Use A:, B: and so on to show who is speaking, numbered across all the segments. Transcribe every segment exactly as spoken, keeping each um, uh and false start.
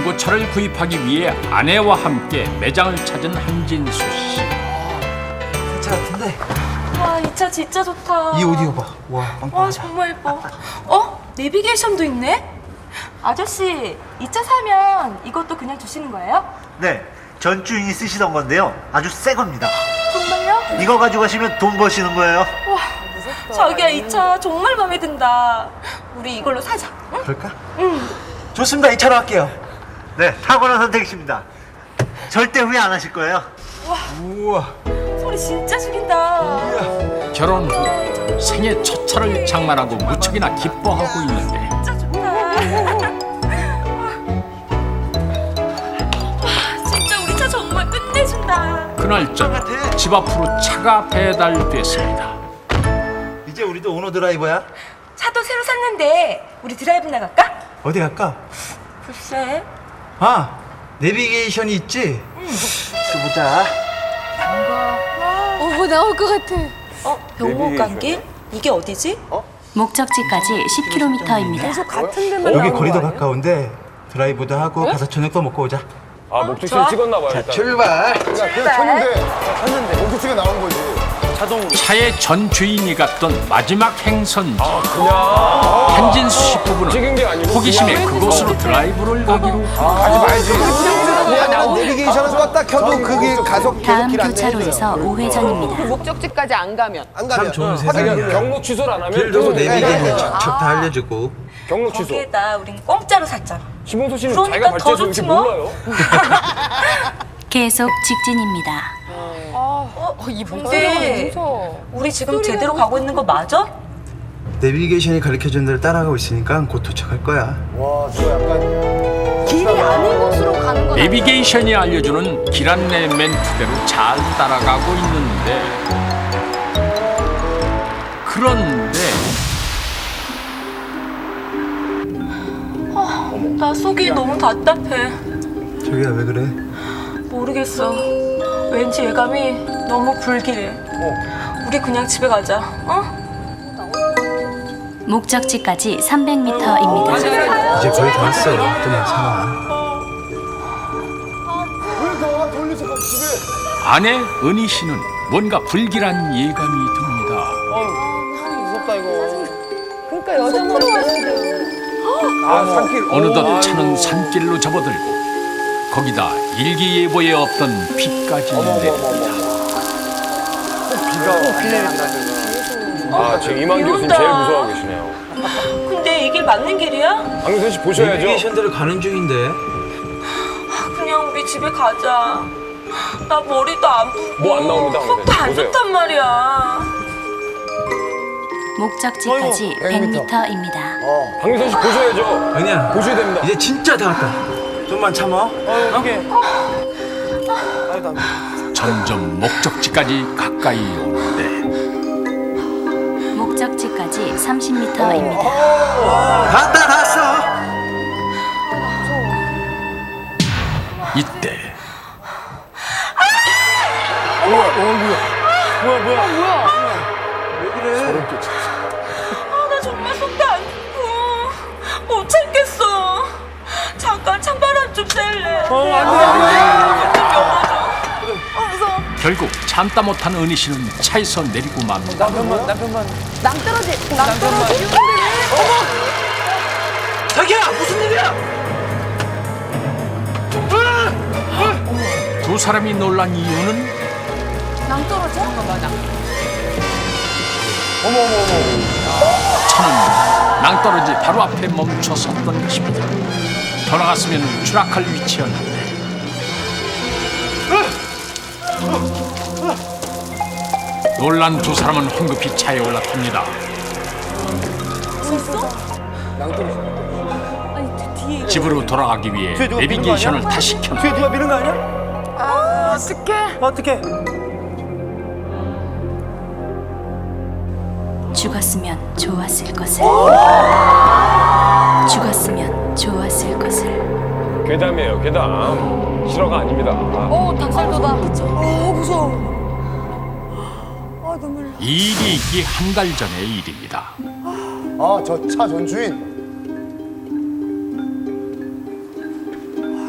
A: 중고차를 구입하기 위해 아내와 함께 매장을 찾은 한진수 씨.
B: 차 같은데?
C: 와, 이 차 진짜 좋다.
B: 이 오디오 봐. 와,
C: 와,
B: 빵빵하다.
C: 정말 예뻐. 어? 내비게이션도 있네? 아저씨, 이 차 사면 이것도 그냥 주시는 거예요?
D: 네, 전 주인이 쓰시던 건데요. 아주 새 겁니다.
C: 정말요?
D: 이거 가지고 가시면 돈 버시는 거예요.
C: 와, 자기야, 이 차 정말 마음에 든다. 우리 이걸로 사자. 응?
B: 그럴까?
C: 응.
B: 좋습니다. 이 차로 할게요.
D: 네, 탁월한 선택이십니다. 절대 후회 안 하실 거예요.
B: 우와.
C: 소리 진짜 죽인다.
A: 결혼 후 생애 첫 차를 장만하고 무척이나 기뻐하고 있는데
C: 진짜 좋다. 와, 진짜 우리 차 정말 끝내준다.
A: 그날 저녁 집 앞으로 차가 배달됐습니다.
B: 이제 우리도 오너 드라이버야?
C: 차도 새로 샀는데 우리 드라이브 나갈까?
B: 어디 갈까?
C: 글쎄.
B: 아, 내비게이션이 있지? 응. 보자.
E: 어, 나올 것 같아.
C: 어? 병목감길? 이게 어디지?
F: 목적지까지 십 킬로미터입니다.
E: 같은 데만
B: 여기
E: 나오는
B: 거리도
E: 거 아니야?
B: 가까운데 드라이브도 하고 가서 저녁도 먹고 오자.
G: 아, 목적지를 찍었나 봐요.
B: 자,
G: 일단.
B: 출발.
E: 출발.
G: 쳤는데 목적지가 나온 거지.
A: 차의 전 주인이 갔던 마지막 행선지.
G: 그냥
A: 한진수 씨 부부는
G: 찍은 게 아니고
A: 호기심에
G: 그냥
A: 그곳으로 드라이브를 가기로
G: 가지 말지.
H: 내비게이션에서 딱 켜도 그게 가속
F: 다음
H: 계속
F: 교차로에서 우회전입니다.
E: 목적지까지 안 가면.
H: 안
B: 참
H: 가면
B: 좋은
G: 그러니까
B: 세상이야.
G: 경로 취소를 안 하면
B: 길도
G: 또
B: 내비게이션 척척 다 알려주고.
G: 경로 취소.
C: 거기에다 우린 공짜로 샀잖아.
G: 심홍수 씨는
C: 그러니까
G: 자기가
C: 더
G: 발제해서 이렇게
C: 좋지 뭐.
G: 몰라요.
F: 계속 직진입니다.
C: 어?
E: 이
C: 근데
E: 무서워.
C: 우리 지금 제대로 가고 있는 거 맞아?
B: 내비게이션이 가르쳐준 대로 따라가고 있으니까 곧 도착할 거야.
H: 와, 저 약간
E: 길이 아닌 곳으로 가는 건
A: 내비게이션이 알려주는 길 안내 멘트대로 잘 따라가고 있는데 그런데
C: 나 속이 너무 답답해.
B: 저기야 왜 그래?
C: 모르겠어. 왠지 예감이 너무 불길해. 우리 그냥 집에 가자. 어?
F: 목적지까지 삼백 미터입니다.
B: 이제 거의 다 왔어. 좀만 참아.
H: 그러니까 돌려서 가 집에.
A: 아내 은희 씨는 뭔가 불길한 예감이 듭니다.
H: 무섭다 이거.
E: 그러니까 여자만
G: 아, 산길.
A: 어느덧 차는 산길로 접어들고 거기다 일기예보에 없던 비까지 내립니다.
G: 아, 지금 이만 교수님
C: 이런다.
G: 제일 무서워하고 계시네요.
C: 근데 이 길 맞는 길이야?
G: 강민선 씨 보셔야죠.
B: 내비게이션대로 가는 중인데.
C: 그냥 우리 집에 가자. 나 머리도 안 붓고
G: 뭐안 나옵니다,
C: 속도 안
G: 보세요.
C: 좋단 말이야.
F: 목적지까지 백 미터입니다.
G: 강민선 씨 보셔야죠.
B: 은희야,
G: 보셔야 됩니다.
B: 이제 진짜 다 왔다. 좀만 참아.
A: 점점 목적지까지 가까이 오는데
F: 목적지까지 삼십 미터입니다.
B: 다 왔다, 다 왔어.
A: 이때
C: 아, 나 정말 속도 안 좋고 못 참겠어. 잠깐 찬바람 좀 쐴래. 어, 안 돼, 안 돼. 좀 열어줘. 아, 무서워.
A: 결국 참다 못한 은희 씨는 차에서 내리고 맙니다.
E: 낭떠러지. 낭떠러지.
B: 자기야, 무슨 일이야?
A: 두 사람이 놀란 이유는
E: 낭떠러지? 맞아.
A: 차는 낭떠러지 바로 앞에 멈춰 섰던 것입니다. 더 나갔으면 추락할 위치였는데 놀란 두 사람은 황급히 차에 올라탑니다. 집으로 돌아가기 위해 내비게이션을 다시 켠다.
B: 뒤에 누가 미는 거 아니야?
E: 아, 어떡해.
B: 어떻게?
F: 죽었으면 좋았을 것을. 죽었으면 좋았을 것을.
G: 괴담이에요, 괴담. 실화가 아닙니다.
E: 어, 닭살도다. 어, 무서워. 아, 눈물.
A: 이 일이 있기 한 달 전의 일입니다.
H: 아, 저 차 전 주인.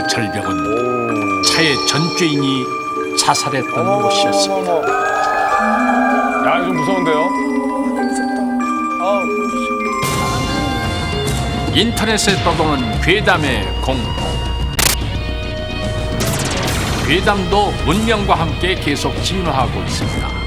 A: 절벽은 차의 전주인이 자살했던 곳이었습니다.
G: 야, 이거 좀 무서운데요?
A: 인터넷에 떠도는 괴담의 공포. 괴담도 문명과 함께 계속 진화하고 있습니다.